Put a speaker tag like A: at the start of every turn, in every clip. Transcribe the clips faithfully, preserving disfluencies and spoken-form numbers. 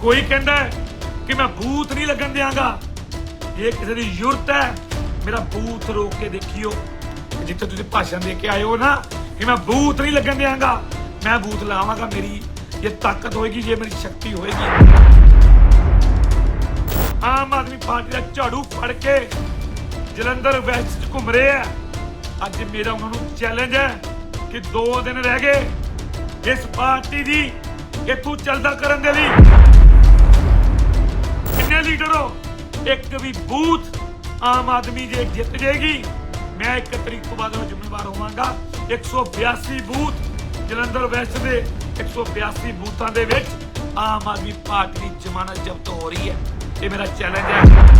A: कोई कहता है कि मैं बूथ नहीं लगन देंगा। ये किसी की जरूरत है, मेरा बूथ रोक के देखियो। जिथे तुम भाषण दे के आए हो ना कि मैं बूथ नहीं लगन देंगा, मैं बूथ लावांगा। मेरी ये ताकत होएगी, ये मेरी शक्ति होएगी। आम आदमी पार्टी का झाड़ू फड़ के जलंधर वैस्ट घूम रहे हैं। अज मेरा उन्होंने चैलेंज है कि दो दिन रह गए इस पार्टी की इथों चलदा करन दे लई। किन्ने लीडर हो, एक भी बूथ आम आदमी जे जित जाएगी, मैं एक तरीक तो बाद जिम्मेवार होवांगा। एक सौ बयासी बूथ जलंधर वैस्ट के एक सौ बयासी बूथों के विच आम आदमी पार्टी की जमानत जब्त हो रही है। ये मेरा चैलेंज है।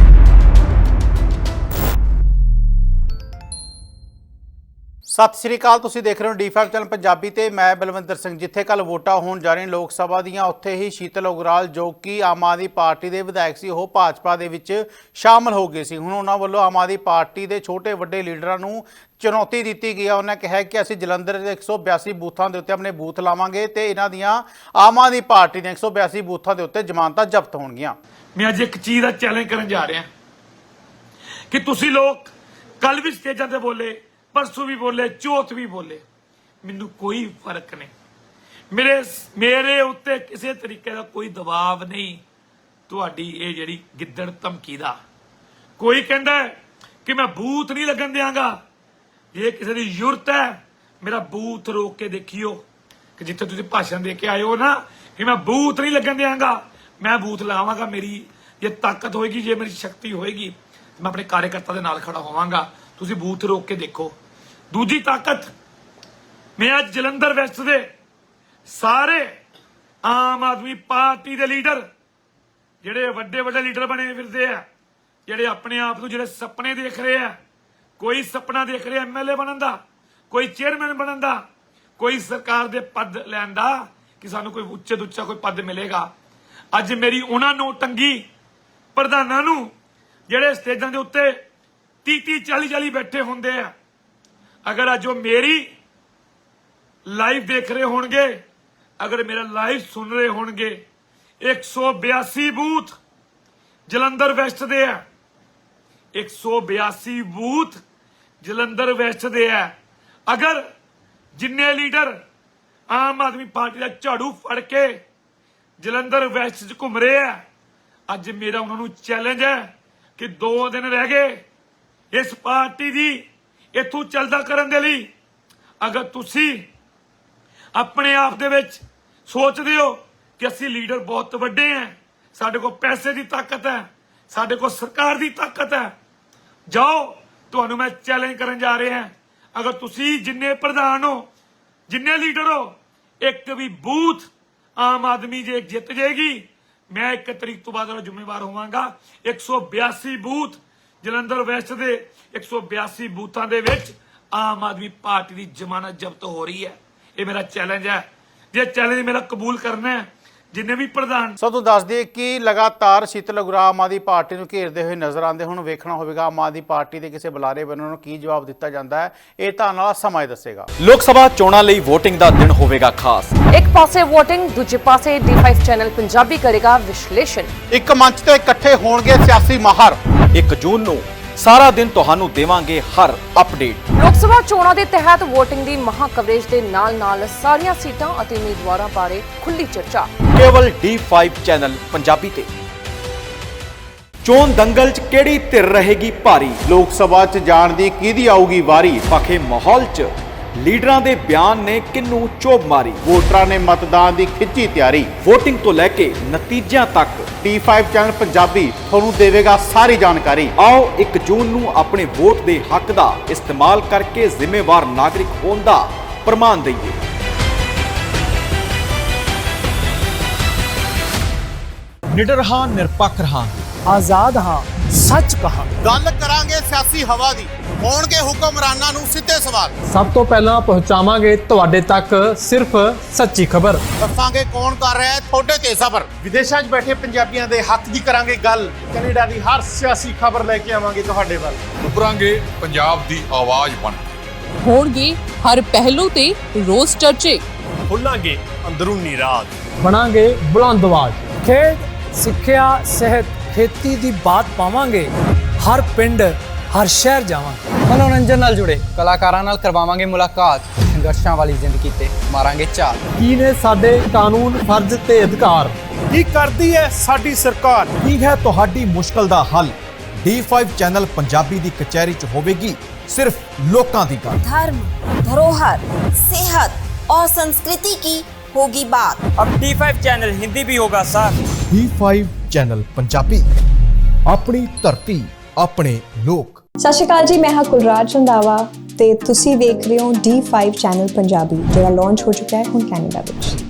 B: सत श्री अकाल, तुसीं देख रहे हो डी फाइव चैनल पंजाबी ते मैं बलविंदर सिंह। जिथे कल वोटां होण जा रही लोक सभा दीआं, उत्थे ही शीतल उगराल जो कि आम आदमी पार्टी के विधायक सी, वो भाजपा दे विच शामिल हो गए सी। हुण उन्हां वल्लों आम आदमी पार्टी के छोटे वड्डे लीडरां नूं चुनौती दी गई है। उन्हें कहा कि असीं जलंधर के एक सौ बयासी बूथों के उत्ते अपने बूथ लावांगे ते इन्हां दीआं आम आदमी पार्टी दे एक सौ बयासी बूथों के उत्ते जमानतां जब्त होणगीआं।
A: मैं अज एक चीज़ का चैलेंज करन जा रहा कि तुसीं लोग कल भी स्टेजां ते बोले, परसों भी बोले, चौथ भी बोले, मैनू कोई फर्क नहीं। मेरे मेरे उत्ते किसी तरीके का कोई दबाव नहीं। तुहाडी ये जिहड़ी गिद्दड़ धमकी दा कोई कहता है कि मैं बूथ नहीं लगन देंगा। ये किसी की जरूरत है, मेरा बूथ रोक के देखियो। कि जिथे तुसीं भाषण दे के आए हो ना कि मैं बूथ नहीं लगन देंगा, मैं बूथ लावांगा। मेरी ये ताकत होएगी, ये मेरी शक्ति होएगी। मैं अपने कार्यकर्ता दे नाल खड़ा होवांगा। तुसीं बूथ रोक के देखो। दूजी ताकत, मैं आज जलंधर वैस्ट दे सारे आम आदमी पार्टी के लीडर जिहड़े वड्डे वड्डे लीडर बने फिरदे आ, जिहड़े अपने आप नूं जिहड़े सपने देख रहे हैं, कोई सपना देख रहे एम एल ए बनन दा, कोई चेयरमैन बनन दा, कोई सरकार दे पद लैण दा कि सानूं कोई उच्चे तो उच्चा कोई पद मिलेगा। अज मेरी उन्हां नौटंगी प्रधानां नूं जिहड़े स्टेजां दे उत्ते तीह तीह चाली चाली बैठे हुंदे आ, अगर अज वो मेरी लाइव देख रहे होणगे, अगर मेरा लाइव सुन रहे होणगे, एक सौ बयासी बूथ जलंधर वैस्ट दे है, एक सौ बयासी बूथ जलंधर वैस्ट दे है। अगर जिन्ने लीडर आम आदमी पार्टी का झाड़ू फड़ के जलंधर वैस्ट च घूम रहे हैं, अज मेरा उन्होंने चैलेंज है कि दो दिन रह गए इस पार्टी की इथों चलदा करन दे लई। अगर तुसी अपने आप दे विच सोचदे हो कि असीं लीडर बहुत वड्डे हैं, साडे कोल पैसे की ताकत है, साडे कोल सरकार की ताकत है, जाओ तुहानूं मैं चैलेंज करन जा रहे हैं। अगर तुसी जिन्ने प्रधान हो, जिन्ने लीडर हो, एक भी बूथ आम आदमी जे जित जाएगी, मैं एक तरीक तो बाद जिम्मेवार होवांगा। एक सौ बयासी बूथ जलंधर वैस्ट के एक सौ बयासी बूथों के विच आम आदमी पार्टी की जमानत जब्त हो रही है। ये मेरा चैलेंज है। ये चैलेंज मेरा कबूल करना है जिन्हें भी प्रधान।
B: सो तो दस दिए कि लगातार शीतल उगराल आम आदमी पार्टी को घेरते हुए नजर आते। हुण वेखना होगा आम आदमी पार्टी के किसी बुलारे बनों नूं की जवाब दिता जाता है। ये तो आने वाला समा ही दसेगा।
C: लोक सभा चोणां लई वोटिंग का दिन होवेगा खास।
D: एक पासे वोटिंग, दूजे पासे डी फाइव चैनल पंजाबी करेगा विश्लेषण।
B: एक मंच ते इकट्ठे होणगे सियासी माहर।
C: एक जून नूं सारा दिन तुहानूं देवांगे हर अपडेट।
D: लोक सभा चोणां दे तहत वोटिंग दी महा कवरेज दे नाल नाल सारियां सीटां अते उम्मीदवारां बारे खुली चर्चा
C: केवल डी फाइव चैनल पंजाबी ते। चोण दंगल च किहड़ी धिर रहेगी भारी,
B: लोक सभा च जाण दी किहदी आऊगी वारी,
C: पखे माहौल च लीडरां दे बयान ने किन्नू चोभ मारी,
B: वोटरां ने मतदान दी खिच्ची तैयारी,
C: वोटिंग तो लैके नतीजियां तक
B: डी फाइव चैनल पंजाबी तुहानूं देवेगा सारी जानकारी।
C: आओ एक जून नूं अपने वोट दे हक दा इस्तेमाल करके जिम्मेवार नागरिक होण दा प्रमाण दईए। निडर हां, निरपक्ष रहांगे,
E: आजाद हाँ, सच कहा।
B: गल करांगे सियासी हवा दी, होणगे हुक्मरानां नूं सिੱਧੇ सवाल।
E: सब तो पहला पहुंचावांगे तुहाडे तक सिर्फ सच्ची खबर।
B: दसांगे कौन कर रहा है थोड़े ते सबर।
F: विदेशों च बैठे पंजाबियों के हक की करांगे गल। कनेडा की हर सियासी खबर लेके आवांगे तुहाडे वल।
G: उभरांगे पंजाब दी आवाज बन।
H: होणगे हर पहलू ते रोज चर्चे।
F: खोलांगे अंदरूनी राज।
E: बनांगे बुलंद आवाज। खेड
I: ਸਿੱਖਿਆ ਸਿਹਤ ਖੇਤੀ ਦੀ ਬਾਤ ਪਾਵਾਂਗੇ। ਹਰ ਪਿੰਡ ਹਰ ਸ਼ਹਿਰ ਜਾਵਾਂਗੇ।
J: ਮਨੋਰੰਜਨ ਨਾਲ ਜੁੜੇ ਕਲਾਕਾਰਾਂ ਨਾਲ ਕਰਵਾਵਾਂਗੇ ਮੁਲਾਕਾਤ। ਸੰਘਰਸ਼ਾਂ ਵਾਲੀ ਜ਼ਿੰਦਗੀ ਤੇ ਮਾਰਾਂਗੇ ਝਾਤ।
E: ਕੀ ਨੇ ਸਾਡੇ ਕਾਨੂੰਨ, ਫਰਜ਼ ਤੇ ਅਧਿਕਾਰ?
F: ਕੀ ਕਰਦੀ ਹੈ ਸਾਡੀ ਸਰਕਾਰ?
C: ਕੀ ਹੈ ਤੁਹਾਡੀ ਮੁਸ਼ਕਲ ਦਾ ਹੱਲ? ਡੀ ਫਾਈਵ ਚੈਨਲ ਪੰਜਾਬੀ ਦੀ ਕਚਹਿਰੀ 'ਚ ਹੋਵੇਗੀ सिर्फ लोकां दी गल।
K: धर्म, धरोहर, सेहत और संस्कृति की होगी बात।
L: अब डी फाइव चैनल हिंदी भी होगा sir.
C: D five channel Punjabi, अपनी धरती अपने लोक।
M: सत श्री अकाल जी, मैं हाँ कुलराज रंधावा ते तुसी देख रहे हो डी फाइव चैनल पंजाबी, जो लॉन्च हो चुका है हुण कैनेडा विच।